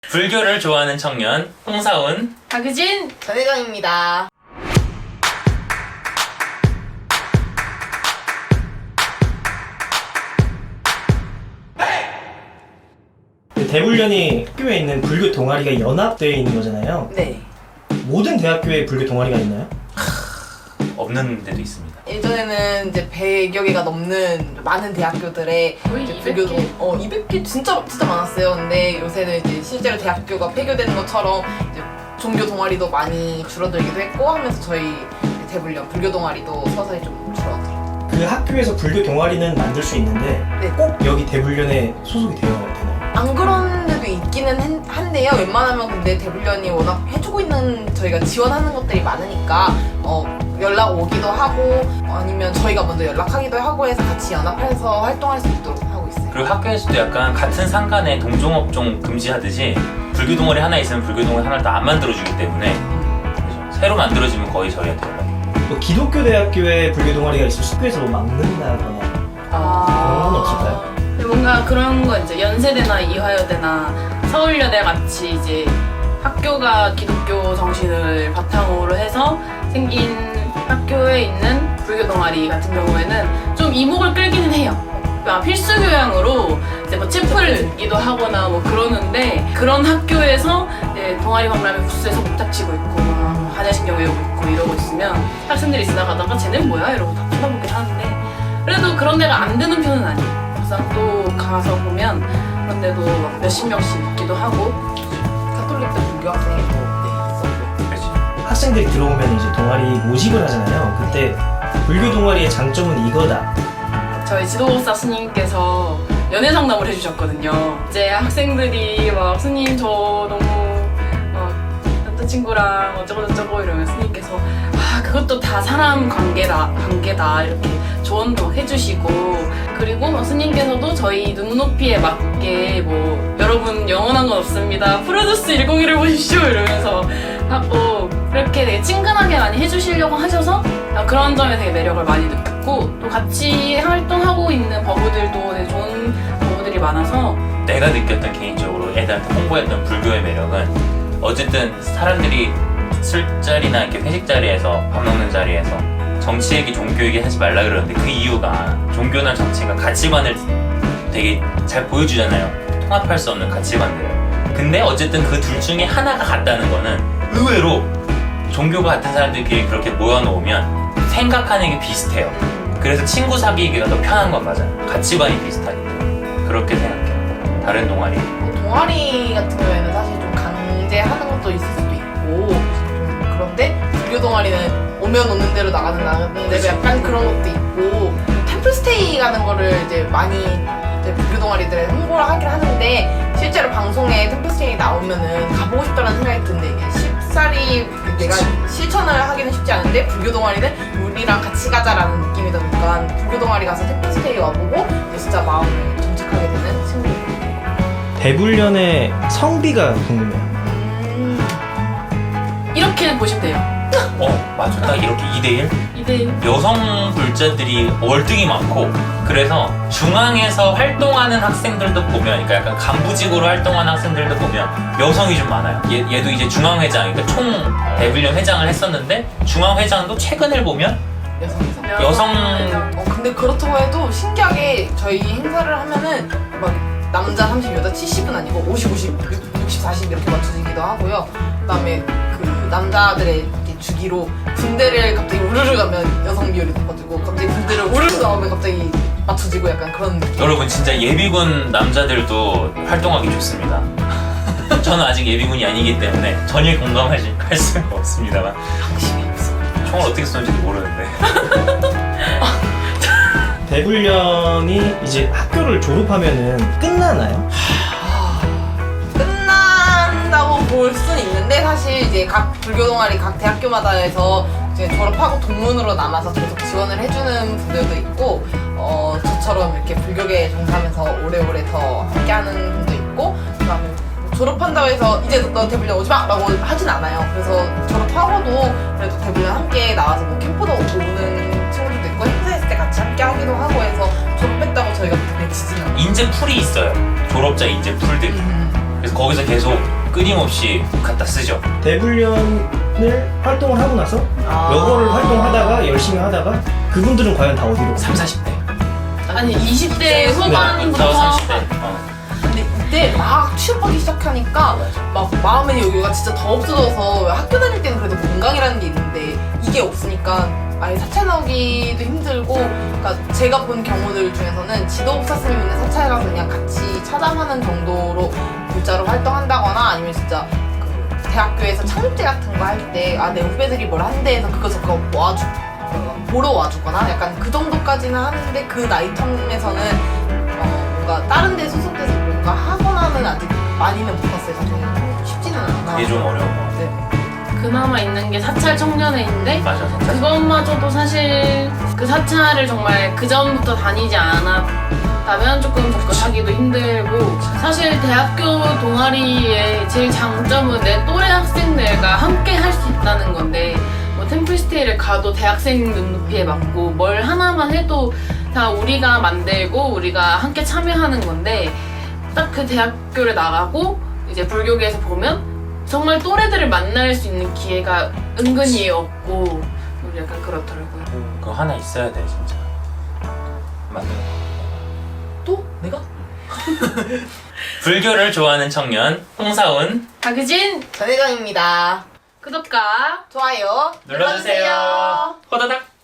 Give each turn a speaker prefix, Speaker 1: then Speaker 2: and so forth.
Speaker 1: 불교를 좋아하는 청년 홍사운,
Speaker 2: 박유진,
Speaker 3: 전혜정입니다.
Speaker 4: 대불련이 학교에 있는 불교 동아리가 연합되어 있는 거잖아요.
Speaker 3: 네.
Speaker 4: 모든 대학교에 불교 동아리가 있나요?
Speaker 1: 없는 데도 있습니다.
Speaker 3: 예전에는 이제 100여 개가 넘는 많은 대학교들의
Speaker 2: 거의
Speaker 3: 이제
Speaker 2: 200개?
Speaker 3: 200개 진짜 많았어요. 근데 요새는 이제 실제로 대학교가 폐교되는 것처럼 이제 종교 동아리도 많이 줄어들기도 했고 하면서 저희 대불련 불교 동아리도 서서히 좀 줄어들어요.
Speaker 4: 그 학교에서 불교 동아리는 만들 수 있는데
Speaker 3: 네.
Speaker 4: 꼭 여기 대불련에 소속이 되어야 되나요?
Speaker 3: 안 그런 데도 있기는 한데요. 웬만하면 근데 대불련이 워낙 해주고 있는 저희가 지원하는 것들이 많으니까 연락 오기도 하고 아니면 저희가 먼저 연락하기도 하고 해서 같이 연합해서 활동할 수 있도록 하고 있어요.
Speaker 1: 그리고 학교에서도 약간 같은 상간에 동종업종 금지하듯이 불교 동아리 하나 있으면 불교 동아리 하나를 다 안 만들어주기 때문에 그래서 새로 만들어지면 거의 저희한테 연락이 와요.
Speaker 4: 뭐 기독교 대학교에 불교 동아리가 있을 학교에서 뭐 막는다거나 그런 건 없을까요?
Speaker 2: 뭔가 그런 거 이제 연세대나 이화여대나 서울여대 같이 이제 학교가 기독교 정신을 바탕으로 해서 생긴 학교에 있는 불교 동아리 같은 경우에는 좀 이목을 끌기는 해요. 필수 교양으로 이제 뭐 체프를 듣기도 하거나 뭐 그러는데 그런 학교에서 이제 동아리 박람회 부스에서 목탁치고 있고 막 반야신경 외우고 있고 이러고 있으면 학생들이 지나가다가 쟤는 뭐야? 이러고 다 쳐다보긴 하는데 그래도 그런 데가 안 드는 편은 아니에요. 막상 또 가서 보면 그런 데도 막 몇십 명씩 있기도 하고
Speaker 3: 가톨릭도 불교 학생이 있었고.
Speaker 1: 그렇지.
Speaker 4: 학생들이 들어오면 이제 동아리 모집을 하잖아요. 그때 불교 동아리의 장점은 이거다.
Speaker 2: 저희 지도사 스님께서 연애 상담을 해주셨거든요. 이제 학생들이 막 스님 저 너무 남자친구랑 어쩌고저쩌고 이러면 스님께서 그것도 다 사람 관계다 이렇게 조언도 해주시고 그리고 뭐 스님께서도 저희 눈높이에 맞게 뭐 여러분 영원한 건 없습니다. 프로듀스 101을 보십시오 이러면서 하고 그렇게 되게 친근하게 많이 해주시려고 하셔서 그런 점에 되게 매력을 많이 느꼈고 또 같이 활동하고 있는 버부들도 되게 좋은 버부들이 많아서
Speaker 1: 내가 느꼈던 개인적으로 애들한테 홍보했던 불교의 매력은 어쨌든 사람들이 술자리나 이렇게 회식 자리에서 밥 먹는 자리에서 정치 얘기, 종교 얘기 하지 말라 그러는데 그 이유가 종교나 정치가 가치관을 되게 잘 보여주잖아요. 통합할 수 없는 가치관들을. 근데 어쨌든 그 둘 중에 하나가 같다는 거는 의외로 종교가 같은 사람들끼리 그렇게 모여놓으면 생각하는 게 비슷해요. 그래서 친구 사귀기가 더 편한 건 맞아요. 가치관이 비슷하기 때문에. 그렇게 생각해요. 다른 동아리.
Speaker 3: 동아리 같은 경우에는 사실 좀 강제하는 것도 있을 수도 있고 좀 그런데 불교 동아리는 오면 오는 대로 나가는 대로 약간 그런 것도 있고 템플스테이 가는 거를 이제 많이 이제 불교 동아리들에 홍보를 하긴 하는데 실제로 방송에 템플스테이 나오면은 가보고 싶다는 생각이 드는데 이게 쉽사리 내가 실천을 하기는 쉽지 않은데 불교 동아리는 우리랑 같이 가자라는 느낌이다 보니까 불교 동아리 가서 템플스테이 와보고 진짜 마음을 정착하게 되는 친구들.
Speaker 4: 대불련의 성비가 궁금해요.
Speaker 2: 이렇게 보시면 돼요.
Speaker 1: 맞아. 딱 이렇게 2대1?
Speaker 2: 2대1
Speaker 1: 여성 불자들이 월등히 많고 그래서 중앙에서 활동하는 학생들도 보면 그러니까 약간 간부직으로 활동하는 학생들도 보면 여성이 좀 많아요. 얘도 이제 중앙회장, 그러니까 총 대불련 회장을 했었는데 중앙회장도 최근을 보면 여성
Speaker 3: 근데 그렇다고 해도 신기하게 저희 행사를 하면은 막 남자 30, 여자 70은 아니고 50, 50, 60, 40 이렇게 맞춰지기도 하고요. 그다음에 그 남자들의 이렇게 주기로 군대를 갑자기 우르르 가면 여성 비율이 높아지고 갑자기 군대를 우르르 나오면 갑자기 맞춰지고 약간 그런 느낌.
Speaker 1: 여러분 진짜 예비군 남자들도 활동하기 좋습니다. 저는 아직 예비군이 아니기 때문에 전혀 공감할 수가 없습니다만
Speaker 3: 확실히 없어.
Speaker 1: 총을 어떻게 쏘는지도 모르는데
Speaker 4: 대불련이 이제 학교를 졸업하면은 끝나나요?
Speaker 3: 끝난다고 볼 수는 있는데 사실 이제 각 불교 동아리 각 대학교마다 해서 이제 졸업하고 동문으로 남아서 계속 지원을 해주는 분들도 있고 저처럼 이렇게 불교계에 종사하면서 오래오래 더 함께하는 분도 있고 그다음에 졸업한다고 해서 이제 너 대불련 오지마! 라고 하진 않아요. 그래서 졸업하고도 그래도 대불련 함께 나와서 뭐 캠프도 오는 친구들도 있고 행사했을 때 같이 함께 하기도 하고 해서 졸업했다고 저희가 그렇게 지지는 않아요.
Speaker 1: 인재 풀이 있어요. 졸업자 인재 풀들이. 그래서 거기서 계속 끊임없이 갖다 쓰죠.
Speaker 4: 대불련을 활동을 하고 나서
Speaker 3: 아.
Speaker 4: 여고를 활동하다가 열심히 하다가 그분들은 과연 다 어디로
Speaker 1: 3, 40대.
Speaker 2: 아니 20대 후반부터
Speaker 1: 30대.
Speaker 3: 근데 이때 막 취업하기 시작하니까 막 마음의 여유가 진짜 더 없어져서 학교 다닐 때는 그래도 건강이라는 게 있는데 이게 없으니까 아예 사찰 나오기도 힘들고, 그러니까 제가 본 경우들 중에서는 지도복사 스님 있는 사찰 가서 그냥 같이 차담하는 정도로 문자로 활동한다거나 아니면 진짜 그 대학교에서 창립제 같은 거 할 때 아 내 후배들이 뭘 한대 해서 그거 저거 보러 와주거나 약간 그 정도까지는 하는데 그 나이 텀에서는 뭔가 다른 데 소속돼서 뭔가 하거나는 아직 많이는 못 봤어요. 사실 쉽지는 않아.
Speaker 1: 그게 좀 어려운 것 같아요.
Speaker 3: 네.
Speaker 2: 그나마 있는 게 사찰 청년회인데
Speaker 1: 맞아, 사찰.
Speaker 2: 그것마저도 사실 그 사찰을 정말 그 전부터 다니지 않았다면 조금 접근하기도 힘들고, 사실 대학교 동아리의 제일 장점은 내 또래 학생들과 함께 할 수 있다는 건데, 뭐 템플스테이를 가도 대학생 눈높이에 맞고 뭘 하나만 해도 다 우리가 만들고 우리가 함께 참여하는 건데, 딱 그 대학교를 나가고 이제 불교계에서 보면 정말 또래들을 만날 수 있는 기회가 은근히 없고 약간 그렇더라고요.
Speaker 1: 그거 하나 있어야 돼 진짜. 만들어.
Speaker 3: 또? 내가?
Speaker 1: 불교를 좋아하는 청년 홍사운
Speaker 2: 박유진
Speaker 3: 전혜정입니다.
Speaker 2: 구독과
Speaker 3: 좋아요
Speaker 1: 눌러주세요. 호다닥.